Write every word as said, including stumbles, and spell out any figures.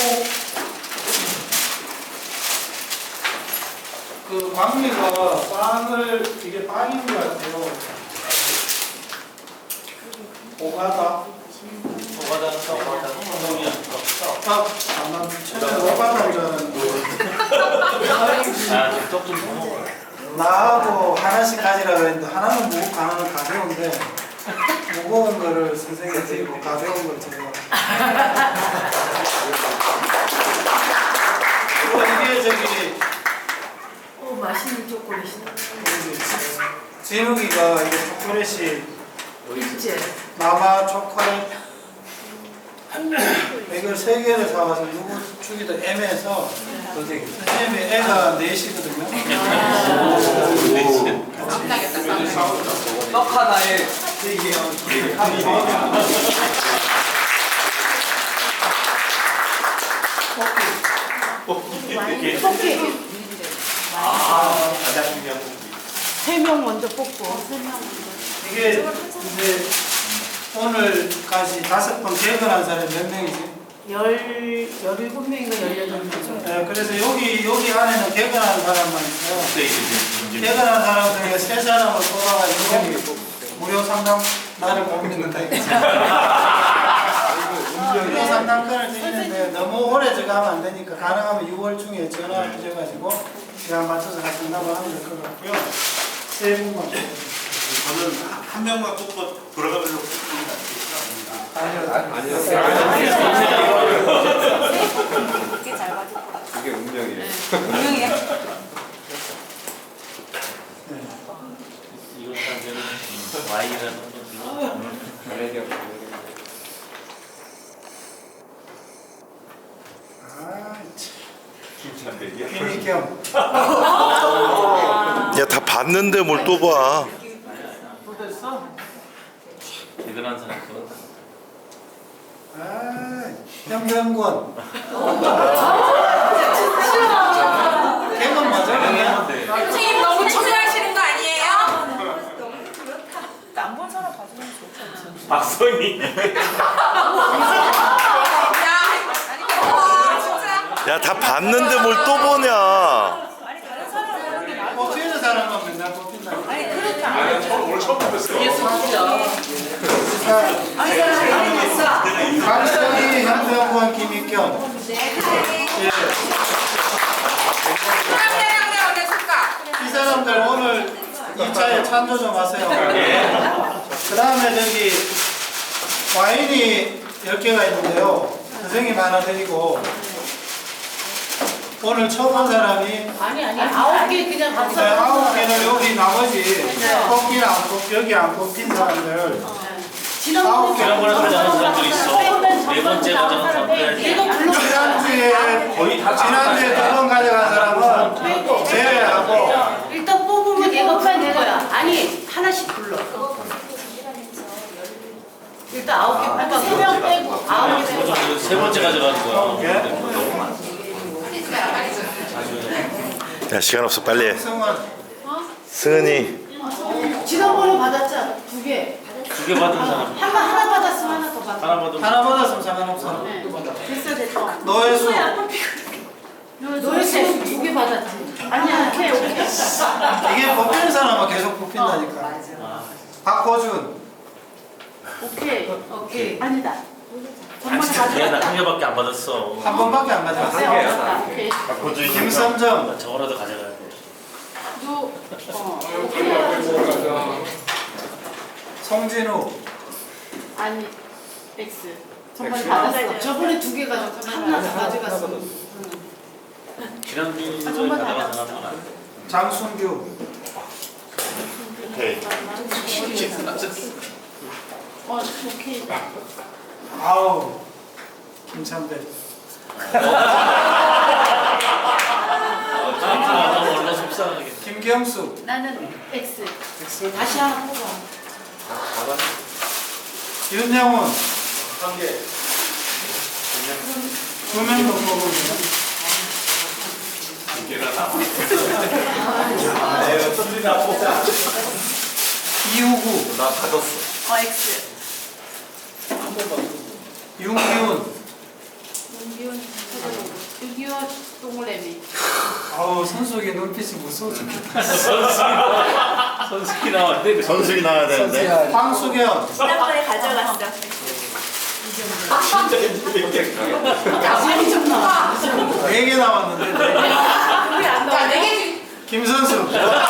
그 광미가 빵을 이게 빵인 것 같아요. 오가다. 오가다는 또 오가다는 운동이야. 아, 아마 처음에 오가다인 줄 알았는데. 아, 떡좀 더 먹어. 나하고 하나씩 가지라 그랬는데 하나는 무겁고 하나는 가벼운데 무거운 거를 선생님이 드리고 가벼운 걸 제가. 그리고 이게 저기 오, 맛있는 초콜릿이다. 진욱이가 이게 초콜릿이 있지? 마마 초콜릿 이걸 세 개를 사와서 누구 주기도 애매해서 선생님이 애가 넷이거든요. 떡 하나에 세 개요. 뽑기. 아, 가장 중요한 부분. 세 명 먼저 뽑고. 세 명. 이게 이제 오늘까지 다섯 번 개근한 사람이 몇 명이지? 열, 열일곱 명인가 열여덟 명. 네, 그래서 여기 여기 안에는 개근한 사람만 있어요. 그때 이제 개근한 사람 중에 세 사람을 뽑아가지고 무료 상담 나를 고민한다. 무료 상담권을 드리는데 너무 오래 저거 하면 안 되니까 가능하면 유월 중에 전화 주셔가지고 시간 맞춰서 같이 상담을 하면 될 것 같고요. 세 분만 뽑아주세요. 저는 한 명만 뽑고 돌아가면서 뽑습니다. 아니요. 그게 잘 맞을 그게 운명이에요. 분명해요. 이거 사실은 와인이라는 건 가래력, 가래력. 아, 김찬 대기야. 김희겸. 야, 다 봤는데 뭘 또 봐. 또 됐어? 대단한 사람들. 아, 현병권. 개건 맞아? 네. 선생님 너무 초조하시는 거 아니에요? 안 본 사람 봐주면 좋죠. 박성희. 야, 와 진짜. 야, 다 봤는데 뭘 또 보냐. 아니, 다른 사람은 뽑히는 사람만 맨날 뽑힌다. 아니, 그렇게 안 아니, 저 오늘 처음 뵀어요. 박성희, 현병권, 김희겸. 예. 사람들이 어디 있을까? 이 사람들 오늘 이 차에 찬조 좀 하세요. 그 다음에 저기 와인이 열 개가 있는데요. 선생님 하나 드리고 오늘 처음 온 사람이 아니, 아니, 아홉 개 그냥 네, 가서. 아홉 개는 여기 나머지 뽑기는 안 뽑, 여기 안 뽑힌 사람들 아홉 개. 지난번에 가져간 사람들 있어. 네 번째 가져간 사람들. 이거 불러. 지난주에 거의 다 지난주에 두 번 가져간 사람은 제외하고 일단 뽑으면 얘가 뽑는 거야. 아니, 하나씩 불러. 일단 아홉 개 뽑아. 세명 빼고 아홉 개 빼고. 저 세 번째 가져간 거야. 예? 너무 많아. 야, 시간 없어. 빨리 해. 성원 승은이. 지난번에 받았잖아. 두 개. 두 개 받은 사람. 하나 하나 받았으면 하나 더 받아. 하나 받으면 하나 받았으면 상관없어. 네. 됐어 됐어. 노예수 노예수 두 개 받았지. 아니야, 오케이 오케이. 이게 뽑히는 사람은 계속 뽑힌다니까. 아, 박호준 오케이 오케이. 아니다. 아, 정말 진짜 미안해. 받았다. 한 개밖에 안 받았어. 한 번밖에 안 네, 가져갔어. 얻었다. 오케이. 김선정 나 저거라도 가져가야 돼. 너 어. 오케이. 송진우 아니 X. 정말 받았어. 저번에 두 개 가져갔어. 하나 더 가져갔어. 지난주에 아, 정말 가져간 받았어. 사람은 안 돼. 장순규 오케이. 어 오케이. 아우 김찬배 아, 너무 얼마 속상하게. 김경수 나는 X. X. 다시 하나 뽑아. 윤영훈 한 개. 두 명 더 뽑으면 돼요. 개가 나. 내가 손들이나 보자. 이우구 나 받았어. 어 X. 윤기훈 육이오 동그라미. 아우 선수에게 눈빛이 무서워 죽겠다. 선수기 선수기 나왔는데 그 선수기 나와야 되는데. 황수경. 지난번에 가져갔어. 많이 좀 나와. 네 개 나왔는데 네 개. 왜안 나와? 네개 김선수.